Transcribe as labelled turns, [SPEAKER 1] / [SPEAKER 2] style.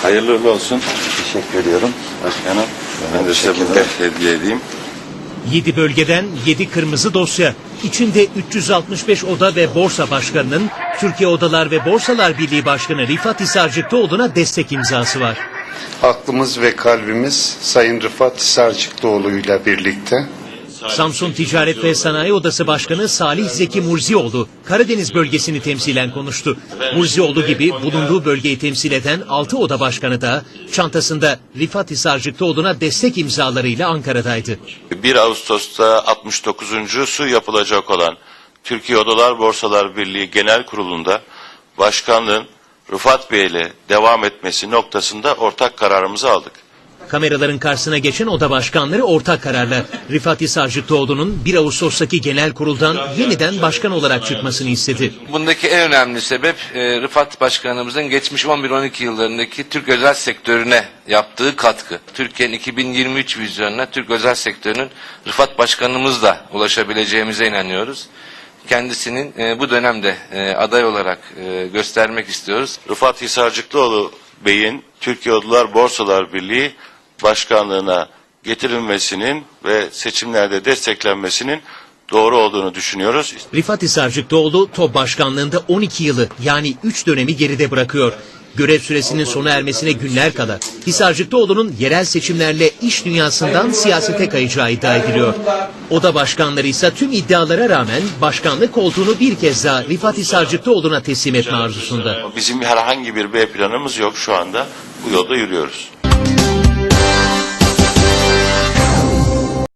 [SPEAKER 1] Hayırlı uğurlu olsun.
[SPEAKER 2] Teşekkür ediyorum.
[SPEAKER 1] Başkanım, ben de size bunu hediye edeyim.
[SPEAKER 3] 7 bölgeden 7 kırmızı dosya. İçinde 365 oda ve borsa başkanının Türkiye Odalar ve Borsalar Birliği Başkanı Rifat Hisarcıklıoğlu'na destek imzası var.
[SPEAKER 4] Aklımız ve kalbimiz Sayın Rıfat Hisarcıklıoğlu ile birlikte.
[SPEAKER 3] Samsun Ticaret ve Sanayi Odası Başkanı Salih Zeki Murzioğlu, Karadeniz bölgesini temsilen konuştu. Murzioğlu gibi bulunduğu bölgeyi temsil eden 6 oda başkanı da çantasında Rifat Hisarcıklıoğlu'na destek imzalarıyla Ankara'daydı.
[SPEAKER 1] 1 Ağustos'ta 69.sü yapılacak olan Türkiye Odalar Borsalar Birliği Genel Kurulu'nda başkanlığın Rıfat Bey ile devam etmesi noktasında ortak kararımızı aldık.
[SPEAKER 3] Kameraların karşısına geçen oda başkanları ortak kararla Rifat Hisarcıklıoğlu'nun 1 Ağustos'taki genel kuruldan yeniden başkan olarak çıkmasını istedi.
[SPEAKER 5] Bundaki en önemli sebep Rıfat Başkanımızın geçmiş 11-12 yıllarındaki Türk özel sektörüne yaptığı katkı. Türkiye'nin 2023 vizyonuna Türk özel sektörünün Rıfat Başkanımızla ulaşabileceğimize inanıyoruz. Kendisinin bu dönemde aday olarak göstermek istiyoruz.
[SPEAKER 1] Rıfat Hisarcıklıoğlu Bey'in Türkiye Odalar Borsalar Birliği başkanlığına getirilmesinin ve seçimlerde desteklenmesinin doğru olduğunu düşünüyoruz.
[SPEAKER 3] Rifat Hisarcıklıoğlu TOB başkanlığında 12 yılı yani 3 dönemi geride bırakıyor. Görev süresinin sona ermesine günler kala Hisarcıklıoğlu'nun yerel seçimlerle iş dünyasından siyasete kayacağı iddia ediliyor. Oda başkanları ise tüm iddialara rağmen başkanlık koltuğunu bir kez daha Rifat Hisarcıklıoğlu'na teslim etme arzusunda.
[SPEAKER 1] Bizim herhangi bir B planımız yok şu anda. Bu yolda yürüyoruz.